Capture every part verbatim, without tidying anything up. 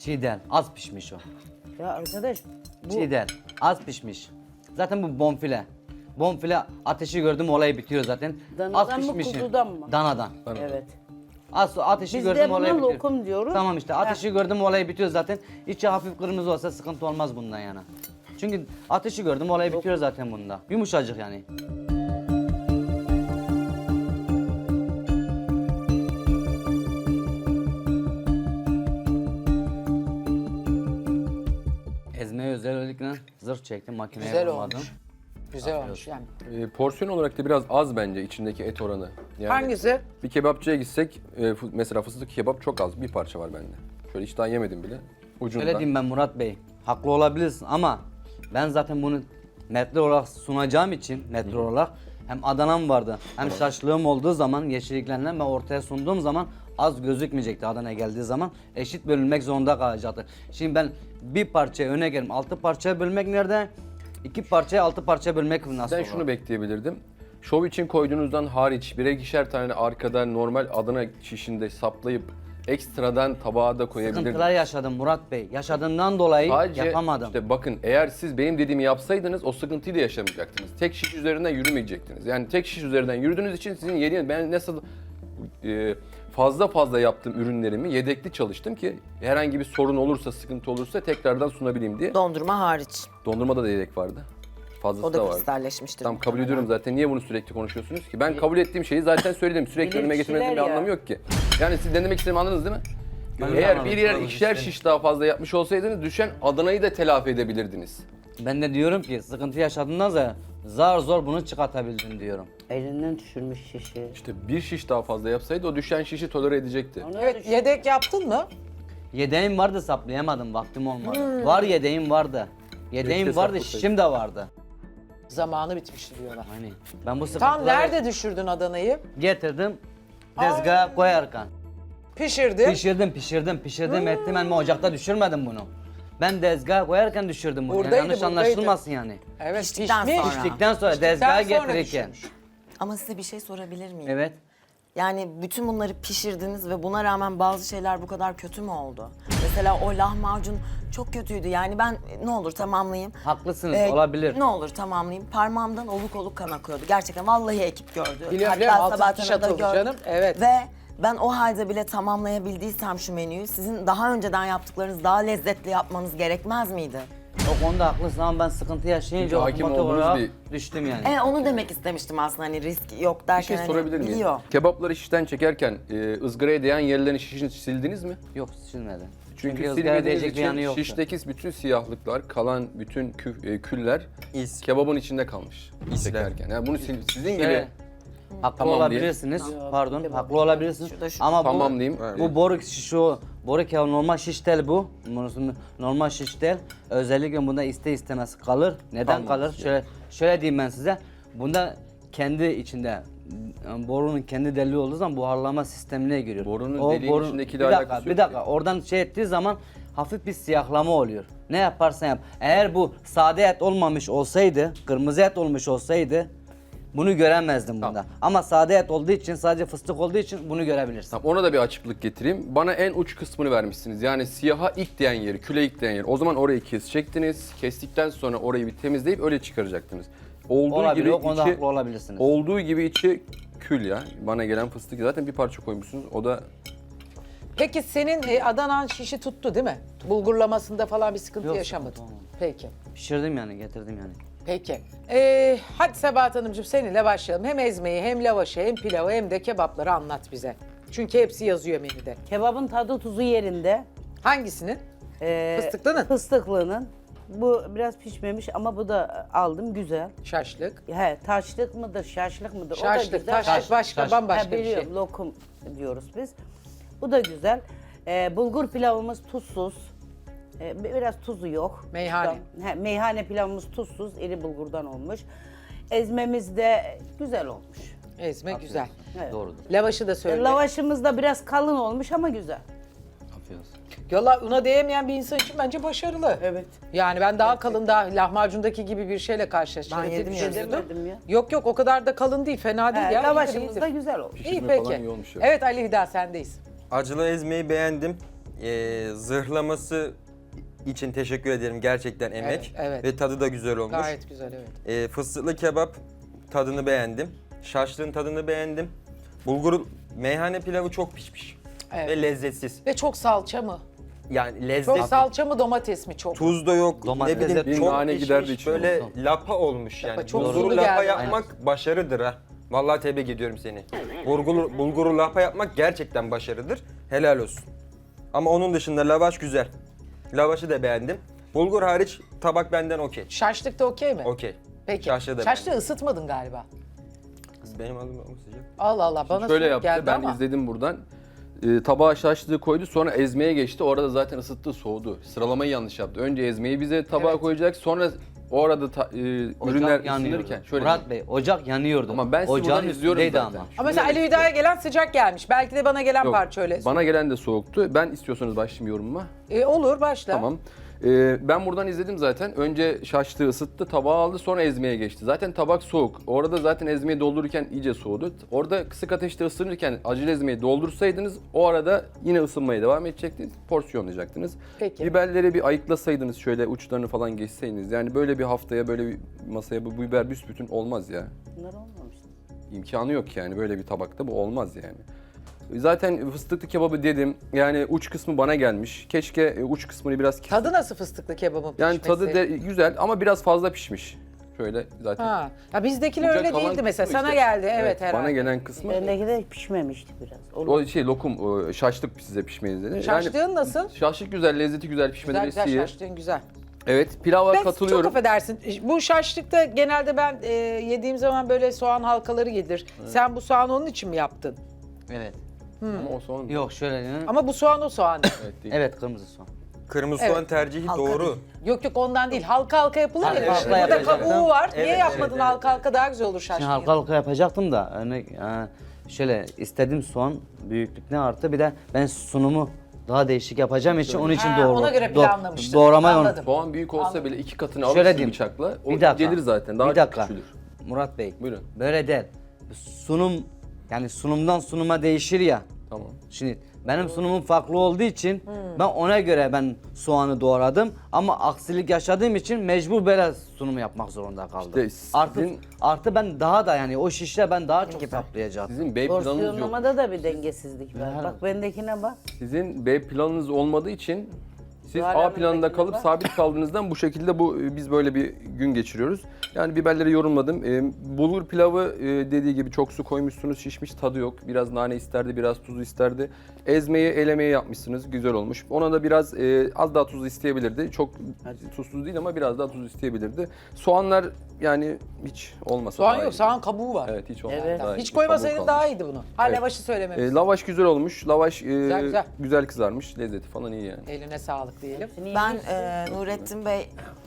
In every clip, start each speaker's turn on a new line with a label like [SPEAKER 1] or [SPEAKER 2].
[SPEAKER 1] Çiğ değil, az pişmiş o.
[SPEAKER 2] Ya arkadaş bu
[SPEAKER 1] Çiğ değil, az pişmiş. Zaten bu bonfile. Bonfile ateşi gördüm olayı bitiyor zaten.
[SPEAKER 2] Danadan
[SPEAKER 1] az
[SPEAKER 2] mı,
[SPEAKER 1] pişmiş.
[SPEAKER 2] kuzudan mı?
[SPEAKER 1] Danadan.
[SPEAKER 2] evet.
[SPEAKER 1] Az ateşi
[SPEAKER 2] Biz de
[SPEAKER 1] gördüm
[SPEAKER 2] buna
[SPEAKER 1] olayı bitiyor.
[SPEAKER 2] lokum diyoruz.
[SPEAKER 1] Tamam işte ateşi gördüm olayı bitiyor zaten. İçi hafif kırmızı olsa sıkıntı olmaz bundan yana. Çünkü ateşi gördüm olayı bitiyor zaten bunda. Yumuşacık yani. Ezmeye özellikle zırh çektim makineye
[SPEAKER 3] Güzel
[SPEAKER 1] vurmadım.
[SPEAKER 3] olmuş. Güzel olmuş yani.
[SPEAKER 4] E, porsiyon olarak da biraz az bence içindeki et oranı. Yani
[SPEAKER 3] Hangisi?
[SPEAKER 4] Bir kebapçıya gitsek e, fı- mesela fıstık kebap çok az bir parça var bende. Şöyle hiç daha yemedim bile. Ucundan.
[SPEAKER 1] Öyle diyeyim ben Murat Bey. Haklı olabilirsin ama ben zaten bunu metre olarak sunacağım için metre olarak hem Adana'm vardı hem şaşlığım olduğu zaman yeşilliklerinden ben ortaya sunduğum zaman az gözükmeyecekti Adana geldiği zaman eşit bölünmek zorunda kalacaktı. Şimdi ben bir parçaya öne geldim altı parçaya bölmek nerede? İki parçaya altı parçaya bölmek nasıl
[SPEAKER 4] Ben
[SPEAKER 1] olur?
[SPEAKER 4] şunu bekleyebilirdim. Şov için koyduğunuzdan hariç birer ikişer tane arkada normal Adana şişinde saplayıp ekstradan tabağa da koyabilirdim.
[SPEAKER 1] Sıkıntılar yaşadım Murat Bey. Yaşadığımdan dolayı
[SPEAKER 4] Sadece
[SPEAKER 1] yapamadım.
[SPEAKER 4] işte bakın eğer siz benim dediğimi yapsaydınız o sıkıntıyı da yaşamayacaktınız. Tek şiş üzerinden yürümeyecektiniz. Yani tek şiş üzerinden yürüdüğünüz için sizin yediğiniz ben nasıl e, fazla fazla yaptığım ürünlerimi yedekli çalıştım ki herhangi bir sorun olursa sıkıntı olursa tekrardan sunabileyim diye.
[SPEAKER 5] Dondurma hariç.
[SPEAKER 4] Dondurmada da yedek vardı. Fazlası
[SPEAKER 5] O
[SPEAKER 4] da
[SPEAKER 5] da
[SPEAKER 4] vardı.
[SPEAKER 5] kristalleşmiştir.
[SPEAKER 4] Tamam kabul
[SPEAKER 5] muhtemelen.
[SPEAKER 4] ediyorum zaten. Niye bunu sürekli konuşuyorsunuz ki? Ben kabul ettiğim şeyi zaten söyledim. Sürekli önüme getirmenizin bir
[SPEAKER 2] Bilirkişiler ya.
[SPEAKER 4] anlamı yok ki. Yani siz ne demek istediğimi anladınız değil mi?
[SPEAKER 1] Ben
[SPEAKER 4] Eğer
[SPEAKER 1] anladım,
[SPEAKER 4] bir yer
[SPEAKER 1] anladım
[SPEAKER 4] ikişer
[SPEAKER 1] işte.
[SPEAKER 4] şiş daha fazla yapmış olsaydınız düşen Adana'yı da telafi edebilirdiniz.
[SPEAKER 1] Ben de diyorum ki sıkıntı yaşadığından sonra zar zor bunu çıkartabildim diyorum.
[SPEAKER 2] Elinden düşürmüş şişi.
[SPEAKER 4] İşte bir şiş daha fazla yapsaydı o düşen şişi tolere edecekti.
[SPEAKER 2] Ona
[SPEAKER 3] Evet,
[SPEAKER 2] düş-
[SPEAKER 3] yedek yaptın mı?
[SPEAKER 1] Yedeğim vardı saplayamadım vaktim olmadı. Var yedeğim vardı. Yedeğim
[SPEAKER 4] Keşke
[SPEAKER 1] vardı
[SPEAKER 4] saplasaydın.
[SPEAKER 1] şişim de vardı.
[SPEAKER 3] Zamanı bitmişti diyorlar.
[SPEAKER 1] Hani ben bu sıkıntıları
[SPEAKER 3] Tam nerede düşürdün Adana'yı?
[SPEAKER 1] getirdim tezgaha koyarken.
[SPEAKER 3] Pişirdin.
[SPEAKER 1] Pişirdim pişirdim pişirdim ettim ben ocakta düşürmedim bunu. Ben tezgaha koyarken düşürdüm bunu. Yani
[SPEAKER 3] Buradaydı,
[SPEAKER 1] yanlış
[SPEAKER 3] buradaydı.
[SPEAKER 1] anlaşılmasın yani.
[SPEAKER 3] Evet,
[SPEAKER 5] Piştikten
[SPEAKER 3] pişmiş.
[SPEAKER 5] sonra.
[SPEAKER 1] Piştikten sonra
[SPEAKER 3] Piştikten
[SPEAKER 1] tezgaha
[SPEAKER 3] sonra
[SPEAKER 1] getirirken.
[SPEAKER 3] düşürmüş.
[SPEAKER 5] Ama size bir şey sorabilir miyim?
[SPEAKER 1] Evet.
[SPEAKER 5] Yani bütün bunları pişirdiniz ve buna rağmen bazı şeyler bu kadar kötü mü oldu? Mesela o lahmacun çok kötüydü. Yani ben ne olur tamamlayayım.
[SPEAKER 1] Haklısınız
[SPEAKER 5] Ee,
[SPEAKER 1] olabilir.
[SPEAKER 5] Ne olur tamamlayayım. Parmağımdan oluk oluk kan akıyordu. Gerçekten vallahi ekip gördü.
[SPEAKER 3] Biliyorum, biliyorum. Altı
[SPEAKER 5] Sabahattin'e
[SPEAKER 3] dikiş
[SPEAKER 5] de
[SPEAKER 3] atıldı
[SPEAKER 5] gördü.
[SPEAKER 3] canım, evet.
[SPEAKER 5] Ve ben o halde bile tamamlayabildiysem şu menüyü sizin daha önceden yaptıklarınız daha lezzetli yapmanız gerekmez miydi?
[SPEAKER 1] O konuda haklısın ama ben sıkıntı yaşayınca
[SPEAKER 4] Çünkü hakim
[SPEAKER 1] otomatik
[SPEAKER 4] olduğunuz
[SPEAKER 1] olarak
[SPEAKER 4] bir-
[SPEAKER 1] düştüm yani.
[SPEAKER 5] E, onu demek istemiştim aslında hani risk yok
[SPEAKER 4] Bir
[SPEAKER 5] derken
[SPEAKER 4] şey
[SPEAKER 5] hani
[SPEAKER 4] sorabilir miyim?
[SPEAKER 5] biliyor.
[SPEAKER 4] Kebapları şişten çekerken e, ızgaraya değen yerlerini şişini sildiniz mi?
[SPEAKER 1] Yok silmedi.
[SPEAKER 4] Çünkü,
[SPEAKER 1] ızgara
[SPEAKER 4] silmediğiniz
[SPEAKER 1] değecek bir yanı
[SPEAKER 4] için
[SPEAKER 1] yoktu.
[SPEAKER 4] şişteki bütün siyahlıklar, kalan bütün kü- e, küller kebabın içinde kalmış çekerken. Yani bunu sil- sizin gibi
[SPEAKER 1] Şöyle, haklı
[SPEAKER 4] Tamam
[SPEAKER 1] olabilirsiniz. Pardon, haklı olabilirsiniz.
[SPEAKER 5] Şurada şu-
[SPEAKER 1] Ama bu,
[SPEAKER 4] Tamam diyeyim.
[SPEAKER 1] bu boru şu boru kebabı normal şiş tel bu. Bunun normal şiş tel. Özellikle bunda iste istemez kalır. Neden
[SPEAKER 4] Kalmaz.
[SPEAKER 1] kalır? Şöyle şöyle diyeyim ben size. Bunda kendi içinde yani borunun kendi deliği olduğu zaman buharlama sistemine giriyor.
[SPEAKER 4] Borunun deliğin içindekiyle
[SPEAKER 1] bir dakika,
[SPEAKER 4] alakası
[SPEAKER 1] bir
[SPEAKER 4] yok
[SPEAKER 1] dakika.
[SPEAKER 4] ki.
[SPEAKER 1] Oradan şey ettiği zaman hafif bir siyahlama oluyor. Ne yaparsan yap. Eğer bu sade et olmamış olsaydı, kırmızı et olmuş olsaydı bunu göremezdim bunda. Ama sade et olduğu için, sadece fıstık olduğu için bunu görebilirsin.
[SPEAKER 4] Tamam, ona da bir açıklık getireyim. Bana en uç kısmını vermişsiniz. Yani siyaha ilk değen yeri, küle ilk değen yeri. O zaman orayı kesecektiniz. Kestikten sonra orayı bir temizleyip öyle çıkaracaktınız. Olduğu
[SPEAKER 1] Olabilir,
[SPEAKER 4] gibi
[SPEAKER 1] o konuda
[SPEAKER 4] içi,
[SPEAKER 1] haklı olabilirsiniz.
[SPEAKER 4] olduğu gibi içi kül ya. Bana gelen fıstık zaten bir parça koymuşsunuz. O da
[SPEAKER 3] Peki senin e, Adana'nın şişi tuttu değil mi? Bulgurlamasında falan bir sıkıntı
[SPEAKER 1] Yok,
[SPEAKER 3] yaşamadın.
[SPEAKER 1] sıkıntı olmadı.
[SPEAKER 3] Peki.
[SPEAKER 1] Pişirdim yani, getirdim yani.
[SPEAKER 3] Peki. Ee, hadi Sabahat Hanımcığım seninle başlayalım. Hem ezmeyi, hem lavaşı, hem pilavı, hem de kebapları anlat bize. Çünkü hepsi yazıyor menüde.
[SPEAKER 2] Kebabın tadı tuzu yerinde.
[SPEAKER 3] Hangisinin?
[SPEAKER 2] Ee,
[SPEAKER 3] Fıstıklının?
[SPEAKER 2] Fıstıklının. Bu biraz pişmemiş ama bu da aldım güzel.
[SPEAKER 3] Şaşlık.
[SPEAKER 2] He, taşlık mıdır, şaşlık mıdır? o da
[SPEAKER 3] Şaşlık,
[SPEAKER 2] güzel.
[SPEAKER 3] taşlık başka,
[SPEAKER 1] taş.
[SPEAKER 3] bambaşka
[SPEAKER 2] Ha,
[SPEAKER 3] bir şey.
[SPEAKER 2] biliyorum, lokum diyoruz biz. Bu da güzel. Ee, bulgur pilavımız tuzsuz. Ee, biraz tuzu yok.
[SPEAKER 3] Meyhane.
[SPEAKER 2] He, meyhane pilavımız tuzsuz, iri bulgurdan olmuş. Ezmemiz de güzel olmuş.
[SPEAKER 3] Ezme güzel.
[SPEAKER 2] Evet.
[SPEAKER 1] Doğrudur.
[SPEAKER 3] Lavaşı da söyle.
[SPEAKER 2] Lavaşımız da biraz kalın olmuş ama güzel.
[SPEAKER 1] Afiyet olsun.
[SPEAKER 3] Valla una değmeyen bir insan için bence başarılı.
[SPEAKER 2] Evet.
[SPEAKER 3] Yani ben daha kalın, daha lahmacundaki gibi bir şeyle karşılaştım.
[SPEAKER 5] Ben
[SPEAKER 3] Öyle
[SPEAKER 5] yedim
[SPEAKER 3] bir
[SPEAKER 5] ya.
[SPEAKER 3] şey
[SPEAKER 2] Demedim ya.
[SPEAKER 3] Yok yok o kadar da kalın değil, fena değil
[SPEAKER 2] He,
[SPEAKER 3] ya.
[SPEAKER 2] lavaşımız
[SPEAKER 3] iyidir,
[SPEAKER 2] da
[SPEAKER 3] iyidir.
[SPEAKER 2] güzel olmuş.
[SPEAKER 3] İyi
[SPEAKER 4] Pişirme
[SPEAKER 3] peki.
[SPEAKER 4] falan iyi olmuş ya.
[SPEAKER 3] Evet Ali Hida sendeyiz.
[SPEAKER 6] Acılı ezmeyi beğendim. Ee, zırhlaması için teşekkür ederim. Gerçekten emek.
[SPEAKER 3] Evet, evet.
[SPEAKER 6] Ve tadı da güzel olmuş.
[SPEAKER 3] Gayet güzel evet.
[SPEAKER 6] Ee, fıstıklı kebap tadını beğendim. Şaşlığın tadını beğendim. Bulgur meyhane pilavı çok pişmiş.
[SPEAKER 3] Evet.
[SPEAKER 6] Ve lezzetsiz.
[SPEAKER 3] Ve çok salça mı?
[SPEAKER 6] Yani lezzet,
[SPEAKER 3] Çok salça mı domates mi çok?
[SPEAKER 6] tuz da yok.
[SPEAKER 1] Domates
[SPEAKER 6] ne bileyim
[SPEAKER 1] de-
[SPEAKER 6] çok
[SPEAKER 4] Bir nane
[SPEAKER 6] pişmiş,
[SPEAKER 4] giderdi içine.
[SPEAKER 6] böyle lapa olmuş yani.
[SPEAKER 3] Lapa çok
[SPEAKER 6] Bulguru
[SPEAKER 3] sulu
[SPEAKER 6] lapa
[SPEAKER 3] geldi.
[SPEAKER 6] yapmak başarıdır ha. Vallahi tebrik ediyorum seni. Bulguru, bulguru lapa yapmak gerçekten başarıdır. Helal olsun. Ama onun dışında lavaş güzel. Lavaşı da beğendim. Bulgur hariç tabak benden okey.
[SPEAKER 3] Şaşlık da okey mi?
[SPEAKER 6] Okey.
[SPEAKER 3] Peki.
[SPEAKER 6] Şaşlı da
[SPEAKER 3] Şaşlığı
[SPEAKER 6] beğendim.
[SPEAKER 3] ısıtmadın galiba.
[SPEAKER 6] Benim adım ama sıcak.
[SPEAKER 3] Allah Allah bana
[SPEAKER 4] Şöyle
[SPEAKER 3] soğuk
[SPEAKER 4] yaptı,
[SPEAKER 3] geldi
[SPEAKER 4] ben
[SPEAKER 3] ama.
[SPEAKER 4] izledim buradan. Ee, tabağa şaşlığı koydu, sonra ezmeye geçti. Orada zaten ısıttı, soğudu. Sıralamayı yanlış yaptı. Önce ezmeyi bize tabağa
[SPEAKER 3] Evet.
[SPEAKER 4] koyacak, sonra o arada ta- e, ürünler
[SPEAKER 1] Ocak yanıyordu.
[SPEAKER 4] ısınırken şöyle.
[SPEAKER 1] Murat Bey, ocak yanıyordu.
[SPEAKER 4] Ama ben sizi
[SPEAKER 1] Ocağın
[SPEAKER 4] buradan izliyorum
[SPEAKER 1] üstündeydi
[SPEAKER 4] zaten.
[SPEAKER 1] ama.
[SPEAKER 3] Ama mesela Ali Hüda'ya gelen sıcak gelmiş. Belki de bana gelen
[SPEAKER 4] Yok,
[SPEAKER 3] parça öyle.
[SPEAKER 4] bana gelen de soğuktu. Ben istiyorsanız başlayayım yorumuma.
[SPEAKER 3] E, olur başla.
[SPEAKER 4] Tamam. Ee, ben buradan izledim zaten. Önce şaşlığı ısıttı, tabağa aldı, sonra ezmeye geçti. Zaten tabak soğuk. Orada zaten ezmeyi doldururken iyice soğudu. Orada kısık ateşte ısınırken acele ezmeyi doldursaydınız o arada yine ısınmaya devam edecektiniz. Porsiyonlayacaktınız.
[SPEAKER 3] Peki.
[SPEAKER 4] Biberleri bir ayıklasaydınız, şöyle uçlarını falan geçseydiniz. Yani böyle bir haftaya, böyle bir masaya bu biber büsbütün olmaz ya.
[SPEAKER 2] Bunlar olmamış.
[SPEAKER 4] İmkanı yok yani, böyle bir tabakta bu olmaz yani. Zaten fıstıklı kebabı dedim. Yani uç kısmı bana gelmiş. Keşke e, uç kısmını biraz kes-
[SPEAKER 3] Tadı nasıl fıstıklı kebabın
[SPEAKER 4] yani
[SPEAKER 3] pişmesi?
[SPEAKER 4] tadı de güzel ama biraz fazla pişmiş. Şöyle zaten.
[SPEAKER 3] Ha. Ya bizdekiler
[SPEAKER 4] Kucak
[SPEAKER 3] öyle
[SPEAKER 4] kalan
[SPEAKER 3] değildi mesela.
[SPEAKER 4] kısmı
[SPEAKER 3] Sana
[SPEAKER 4] işte.
[SPEAKER 3] geldi evet, herhalde.
[SPEAKER 4] Bana gelen kısmı
[SPEAKER 2] Bendeki de pişmemişti biraz. Olur.
[SPEAKER 4] o şey lokum, o şaşlık size pişmeyi dedi.
[SPEAKER 3] Şaşlığın nasıl?
[SPEAKER 4] Şaşlık güzel, lezzeti güzel,
[SPEAKER 3] Güzel
[SPEAKER 4] pişmeleri
[SPEAKER 3] güzel
[SPEAKER 4] iyi.
[SPEAKER 3] şaşlığın güzel.
[SPEAKER 4] Evet, pilava
[SPEAKER 3] Ben
[SPEAKER 4] katılıyorum.
[SPEAKER 3] çok affedersin. Bu şaşlıkta genelde ben e, yediğim zaman böyle soğan halkaları gelir. Sen bu soğanı onun için mi yaptın?
[SPEAKER 1] Evet.
[SPEAKER 4] Ama o soğan
[SPEAKER 1] Yok şöyle diyeyim.
[SPEAKER 3] Ama bu soğan o soğan.
[SPEAKER 4] evet, değil.
[SPEAKER 1] Evet, kırmızı soğan.
[SPEAKER 6] Kırmızı
[SPEAKER 3] Evet.
[SPEAKER 6] soğan tercihi
[SPEAKER 5] Halka
[SPEAKER 6] doğru.
[SPEAKER 5] değil.
[SPEAKER 3] Yok yok ondan değil. Halka halka yapılır
[SPEAKER 1] Halka
[SPEAKER 3] ya.
[SPEAKER 1] halka
[SPEAKER 3] Burada
[SPEAKER 1] yapacaktım.
[SPEAKER 3] kabuğu var. Niye
[SPEAKER 6] Evet,
[SPEAKER 3] yapmadın
[SPEAKER 6] evet,
[SPEAKER 3] halka halka daha güzel olur şaşlığı?
[SPEAKER 1] Şimdi halka halka yapacaktım da örnek e, şöyle istedim soğan büyüklükne artı bir de ben sunumu daha değişik yapacağım için onun için
[SPEAKER 3] Ha,
[SPEAKER 1] doğru.
[SPEAKER 3] ona göre planlamıştın.
[SPEAKER 1] Doğramayı
[SPEAKER 3] Anladım.
[SPEAKER 4] Soğan büyük olsa bile iki katını
[SPEAKER 1] Şöyle
[SPEAKER 4] alırsın
[SPEAKER 1] diyeyim.
[SPEAKER 4] bıçakla. O
[SPEAKER 1] Bir dakika.
[SPEAKER 4] gelir zaten. Daha
[SPEAKER 1] bir dakika.
[SPEAKER 4] çok küçülür.
[SPEAKER 1] Murat Bey.
[SPEAKER 4] Buyurun.
[SPEAKER 1] Böyle değil. Sunum yani sunumdan sunuma değişir ya.
[SPEAKER 4] Tamam.
[SPEAKER 1] Şimdi benim sunumum farklı olduğu için ben ona göre ben soğanı doğradım ama aksilik yaşadığım için mecbur böyle sunumu yapmak zorunda kaldım.
[SPEAKER 4] İşte
[SPEAKER 1] artı
[SPEAKER 4] sizin-
[SPEAKER 1] artı ben daha da yani o şişle ben daha çok saplayacaktım.
[SPEAKER 4] Sizin B planınız yok.
[SPEAKER 2] Porsiyonlamada da bir dengesizlik var. Bak bendekine bak.
[SPEAKER 4] Sizin B planınız olmadığı için siz
[SPEAKER 2] Zuhal
[SPEAKER 4] A
[SPEAKER 2] Hanım'dakine
[SPEAKER 4] planında kalıp
[SPEAKER 2] bak.
[SPEAKER 4] sabit kaldığınızdan bu şekilde bu biz böyle bir gün geçiriyoruz. Yani biberleri yorumladım. Ee, bulgur pilavı e, dediği gibi çok su koymuşsunuz, şişmiş, tadı yok. Biraz nane isterdi, biraz tuzu isterdi. Ezmeyi, elemeyi yapmışsınız, güzel olmuş. Ona da biraz e, az daha tuz isteyebilirdi. Çok tuzsuz değil ama biraz daha tuz isteyebilirdi. Soğanlar yani hiç olmasa
[SPEAKER 3] Soğan
[SPEAKER 4] daha
[SPEAKER 3] yok,
[SPEAKER 4] iyi.
[SPEAKER 3] soğan kabuğu var.
[SPEAKER 4] Evet, hiç olmasa
[SPEAKER 2] Evet.
[SPEAKER 4] daha iyi.
[SPEAKER 3] Hiç koymasaydın
[SPEAKER 4] Kabuğu
[SPEAKER 3] daha
[SPEAKER 4] kalmış.
[SPEAKER 3] iyiydi bunu. Ha
[SPEAKER 4] Evet.
[SPEAKER 3] lavaşı söylememiş.
[SPEAKER 4] E, lavaş güzel olmuş. Lavaş e,
[SPEAKER 3] Güzel, güzel.
[SPEAKER 4] güzel kızarmış. Lezzeti falan iyi yani.
[SPEAKER 3] Eline sağlık diyelim.
[SPEAKER 5] Ben e, Nurettin Bey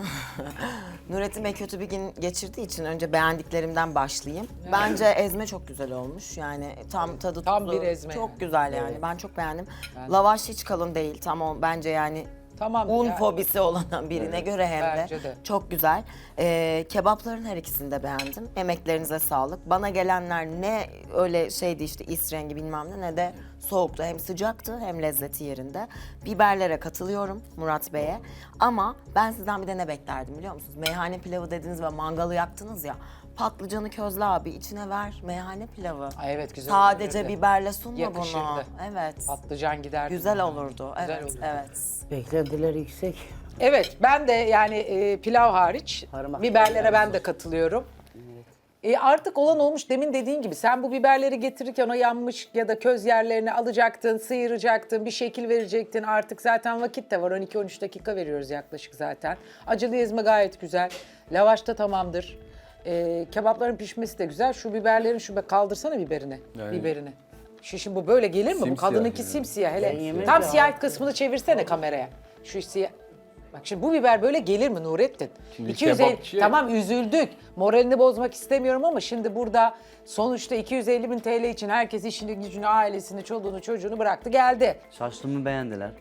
[SPEAKER 5] Nurettin Bey kötü bir gün geçirdiği için önce beğendiklerimden başlayayım. Bence ezme çok güzel olmuş. Yani tam tadı
[SPEAKER 3] Tam
[SPEAKER 5] tuzu
[SPEAKER 3] bir ezme.
[SPEAKER 5] çok güzel yani. Ben çok beğendim. Lavaş hiç kalın değil. Tam o bence yani
[SPEAKER 3] Tamam.
[SPEAKER 5] un
[SPEAKER 3] ya.
[SPEAKER 5] fobisi olan birine göre hem de,
[SPEAKER 3] Bence de.
[SPEAKER 5] çok güzel. Ee, kebapların her ikisini de beğendim. Emeklerinize sağlık. Bana gelenler ne öyle şeydi işte is rengi bilmem ne ne de soğuktu. Hem sıcaktı hem lezzeti yerinde. Biberlere katılıyorum Murat Bey'e. Ama ben sizden bir de ne beklerdim biliyor musunuz? Meyhane pilavı dediniz ve mangalı yaktınız ya. Patlıcanı közle abi içine ver meyhane pilavı.
[SPEAKER 3] Ay evet güzel
[SPEAKER 5] Sadece
[SPEAKER 3] olurdu.
[SPEAKER 5] biberle sunma
[SPEAKER 3] Yakışırdı.
[SPEAKER 5] bunu. Evet.
[SPEAKER 3] Patlıcan giderdi.
[SPEAKER 5] Güzel olurdu.
[SPEAKER 3] Güzel
[SPEAKER 5] Evet,
[SPEAKER 3] olurdu.
[SPEAKER 5] evet.
[SPEAKER 2] Beklentiler yüksek.
[SPEAKER 3] Evet ben de yani e, pilav hariç
[SPEAKER 2] Parmak
[SPEAKER 3] biberlere ben de katılıyorum. E, artık olan olmuş demin dediğin gibi sen bu biberleri getirirken o yanmış ya da köz yerlerini alacaktın, sıyıracaktın, bir şekil verecektin. Artık zaten vakit de var on iki on üç dakika veriyoruz yaklaşık zaten. Acılı ezme gayet güzel. Lavaş da tamamdır. E, kebapların pişmesi de güzel. Şu biberlerin şu be kaldırsana biberini.
[SPEAKER 4] Yani-
[SPEAKER 3] Biberini. Şu şimdi böyle gelir mi? Bu
[SPEAKER 4] Simsiyah
[SPEAKER 3] kadınınki
[SPEAKER 4] yani.
[SPEAKER 3] simsiyah hele.
[SPEAKER 2] Ben yemedim
[SPEAKER 3] Tam
[SPEAKER 2] de
[SPEAKER 3] siyah
[SPEAKER 2] harika.
[SPEAKER 3] kısmını çevirsene kameraya. Şu siyah. Bak şimdi bu biber böyle gelir mi Nurettin?
[SPEAKER 4] Şimdi
[SPEAKER 3] iki yüz elli
[SPEAKER 4] kebapçı-
[SPEAKER 3] tamam üzüldük. Moralini bozmak istemiyorum ama şimdi burada sonuçta iki yüz elli bin T L için herkes işini gücünü, ailesini, çoluğunu, çocuğunu bıraktı geldi.
[SPEAKER 1] Şaşlığımı beğendiler.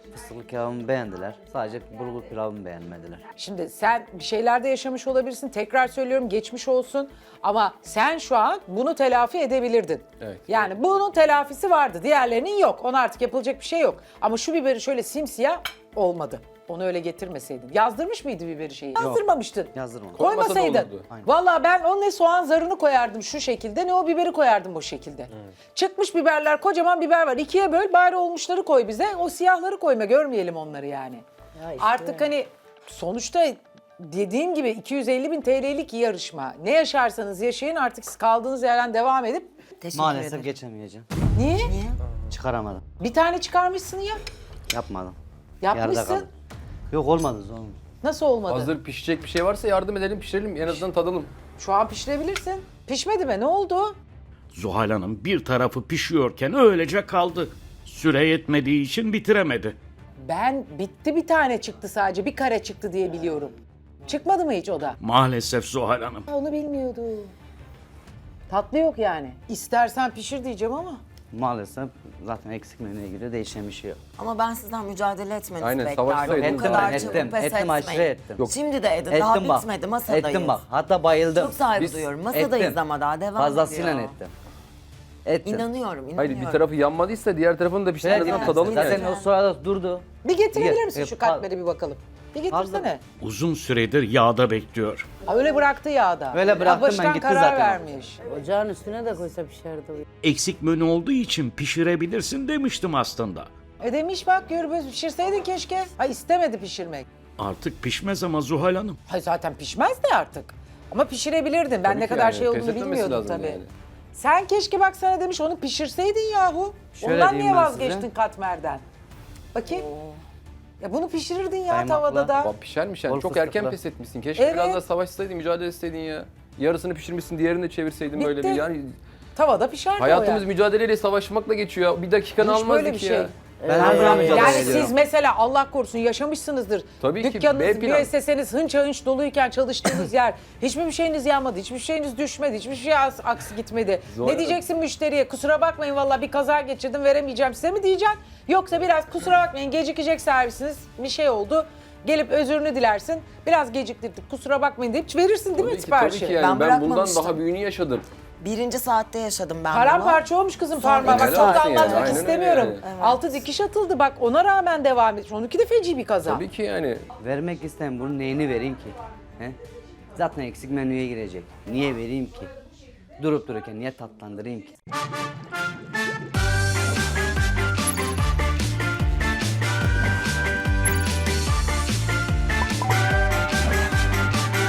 [SPEAKER 1] Fıstıklı kebabımı beğendiler. Sadece bulgur pilavımı beğenmediler.
[SPEAKER 3] Şimdi sen bir şeylerde yaşamış olabilirsin. Tekrar söylüyorum geçmiş olsun. Ama sen şu an bunu telafi edebilirdin.
[SPEAKER 4] Evet.
[SPEAKER 3] Yani bunun telafisi vardı. Diğerlerinin yok. Ona artık yapılacak bir şey yok. Ama şu biberi şöyle simsiyah olmadı. Onu öyle getirmeseydin. Yazdırmış mıydı biberi şeyi? Yazdırmamıştın.
[SPEAKER 1] Yazdırmadım.
[SPEAKER 4] Koymasa da
[SPEAKER 3] Koymasaydın.
[SPEAKER 4] olurdu.
[SPEAKER 1] Aynen.
[SPEAKER 3] Vallahi ben o ne soğan zarını koyardım şu şekilde ne o biberi koyardım o şekilde. Çıkmış biberler, kocaman biber var. İkiye böl bari olmuşları koy bize. O siyahları koyma, görmeyelim onları yani.
[SPEAKER 2] Ya işte.
[SPEAKER 3] Artık hani sonuçta dediğim gibi iki yüz elli bin T L'lik yarışma. Ne yaşarsanız yaşayın, artık siz kaldığınız yerden devam edip
[SPEAKER 5] Teşekkür
[SPEAKER 1] Maalesef
[SPEAKER 5] ederim.
[SPEAKER 1] geçemeyeceğim.
[SPEAKER 3] niye?
[SPEAKER 5] Niye?
[SPEAKER 1] Çıkaramadım.
[SPEAKER 3] Bir tane çıkarmışsın ya.
[SPEAKER 1] Yapmadım. Yarıda
[SPEAKER 3] Yapmışsın.
[SPEAKER 1] kaldım. Yok olmadı zor.
[SPEAKER 3] Nasıl olmadı?
[SPEAKER 4] Hazır pişecek bir şey varsa yardım edelim, pişirelim. En azından tadalım.
[SPEAKER 3] Şu an pişirebilirsin. Pişmedi mi? Ne oldu?
[SPEAKER 7] Zuhal Hanım bir tarafı pişiyorken öylece kaldı. Süre yetmediği için bitiremedi.
[SPEAKER 3] Ben bitti bir tane çıktı sadece. Bir kare çıktı diye biliyorum. Çıkmadı mı hiç o da?
[SPEAKER 7] Maalesef Zuhal Hanım.
[SPEAKER 3] Onu bilmiyordum. Tatlı yok yani. İstersen pişir diyeceğim ama.
[SPEAKER 1] Maalesef zaten eksik menüye göre değişen bir şey yok.
[SPEAKER 5] Ama ben sizden mücadele etmenizi
[SPEAKER 4] Aynen,
[SPEAKER 5] beklerdim.
[SPEAKER 4] savaşsaydınız.
[SPEAKER 5] Bu
[SPEAKER 1] Ettim
[SPEAKER 5] kadar
[SPEAKER 1] ben,
[SPEAKER 5] çabuk
[SPEAKER 1] ettim.
[SPEAKER 5] pes
[SPEAKER 1] Ettim, aşırı
[SPEAKER 5] etmeyin.
[SPEAKER 1] ettim.
[SPEAKER 4] Yok.
[SPEAKER 5] Şimdi de edin. Daha
[SPEAKER 1] Ettim bak.
[SPEAKER 5] bitmedi. Masadayız.
[SPEAKER 1] Ettim bak. Hatta bayıldım.
[SPEAKER 5] Çok saygı
[SPEAKER 4] Biz-
[SPEAKER 5] duyuyorum. Masadayız
[SPEAKER 1] Ettim.
[SPEAKER 5] ama daha devam
[SPEAKER 1] Fazlasıyla
[SPEAKER 5] ediyor.
[SPEAKER 1] ettim. Ettim.
[SPEAKER 5] İnanıyorum, inanıyorum.
[SPEAKER 4] Hayır bir tarafı yanmadıysa diğer tarafını da
[SPEAKER 1] Evet,
[SPEAKER 4] pişirmeden
[SPEAKER 1] yani.
[SPEAKER 4] tadalım
[SPEAKER 1] Zaten
[SPEAKER 4] yani.
[SPEAKER 1] o sırada durdu.
[SPEAKER 3] Bir getirebilir
[SPEAKER 1] Ye-
[SPEAKER 3] misin
[SPEAKER 1] e,
[SPEAKER 3] şu
[SPEAKER 1] pa-
[SPEAKER 3] katmeri bir bakalım? Bir getirsene.
[SPEAKER 7] Uzun süredir yağda bekliyor.
[SPEAKER 3] Ha, öyle bıraktı yağda.
[SPEAKER 1] Öyle bıraktım, ben
[SPEAKER 3] baştan
[SPEAKER 1] gitti
[SPEAKER 3] karar
[SPEAKER 1] zaten.
[SPEAKER 3] vermiş.
[SPEAKER 2] Ocağın üstüne de koysa pişerdi o.
[SPEAKER 7] Eksik menü olduğu için pişirebilirsin demiştim aslında.
[SPEAKER 3] E demiş bak Gürbüz pişirseydin keşke. Ha istemedi pişirmek.
[SPEAKER 7] Artık pişmez ama Zuhal Hanım.
[SPEAKER 3] Ha zaten pişmez de artık. Ama pişirebilirdin. Ben
[SPEAKER 4] Tabii
[SPEAKER 3] ne
[SPEAKER 4] ki
[SPEAKER 3] kadar
[SPEAKER 4] yani,
[SPEAKER 3] şey olduğunu
[SPEAKER 4] pes etmemesi
[SPEAKER 3] bilmiyordum
[SPEAKER 4] lazım
[SPEAKER 3] tabii.
[SPEAKER 4] yani.
[SPEAKER 3] Sen keşke bak sana demiş onu pişirseydin yahu.
[SPEAKER 1] Şöyle
[SPEAKER 3] Ondan
[SPEAKER 1] diyeyim
[SPEAKER 3] niye
[SPEAKER 1] ben
[SPEAKER 3] vazgeçtin
[SPEAKER 1] size.
[SPEAKER 3] katmerden? Bakayım. Ya bunu pişirirdin ya
[SPEAKER 1] Kaymakla.
[SPEAKER 3] tavada da.
[SPEAKER 4] Bak pişermiş yani.
[SPEAKER 1] Bol
[SPEAKER 4] Çok erken
[SPEAKER 1] fıstıklı.
[SPEAKER 4] pes etmişsin. Keşke
[SPEAKER 3] Evet.
[SPEAKER 4] biraz daha savaşsaydın, mücadele etseydin ya. Yarısını pişirmişsin, diğerini de çevirseydin böyle
[SPEAKER 3] Bitti.
[SPEAKER 4] bir yani.
[SPEAKER 3] Tavada pişerdi
[SPEAKER 4] Hayatımız
[SPEAKER 3] o ya.
[SPEAKER 4] mücadeleyle savaşmakla geçiyor ya. Bir dakikanı
[SPEAKER 3] Hiç
[SPEAKER 4] almazdık
[SPEAKER 3] böyle bir
[SPEAKER 4] ya.
[SPEAKER 3] şey.
[SPEAKER 1] Ben her zaman mücadele
[SPEAKER 3] Yani
[SPEAKER 1] ediyorum.
[SPEAKER 3] siz mesela Allah korusun yaşamışsınızdır.
[SPEAKER 4] Tabii ki,
[SPEAKER 3] Dükkanınız,
[SPEAKER 4] B plan.
[SPEAKER 3] müesseseniz hınça hınç doluyken çalıştığınız yer hiçbir şeyiniz yanmadı, hiçbir şeyiniz düşmedi, hiçbir şey as- aksi gitmedi.
[SPEAKER 4] Zor.
[SPEAKER 3] Ne diyeceksin müşteriye? Kusura bakmayın vallahi bir kaza geçirdim veremeyeceğim size mi diyeceksin? Yoksa biraz kusura bakmayın gecikecek servisiniz bir şey oldu. Gelip özürünü dilersin. Biraz geciktirdik kusura bakmayın deyip verirsin değil mi
[SPEAKER 4] Tabii ki,
[SPEAKER 3] siparişi?
[SPEAKER 4] tabii ki yani.
[SPEAKER 5] Ben
[SPEAKER 4] Ben, bundan
[SPEAKER 5] bırakmamıştım.
[SPEAKER 4] daha büyüğünü yaşadım.
[SPEAKER 5] Birinci saatte yaşadım ben bunu.
[SPEAKER 3] Paramparça olmuş kızım parmağı. Bak
[SPEAKER 5] iki
[SPEAKER 3] çok da
[SPEAKER 5] saat
[SPEAKER 3] anlatmak
[SPEAKER 5] yani,
[SPEAKER 4] aynen
[SPEAKER 3] istemiyorum.
[SPEAKER 4] öyle.
[SPEAKER 5] Evet.
[SPEAKER 3] Altı dikiş atıldı bak ona rağmen devam etmiş. Onunki de feci bir kaza.
[SPEAKER 4] Tabii ki yani.
[SPEAKER 1] Vermek isteyen bunun neyini vereyim ki? He? Zaten eksik menüye girecek. Niye vereyim ki? Durup dururken niye tatlandırayım ki?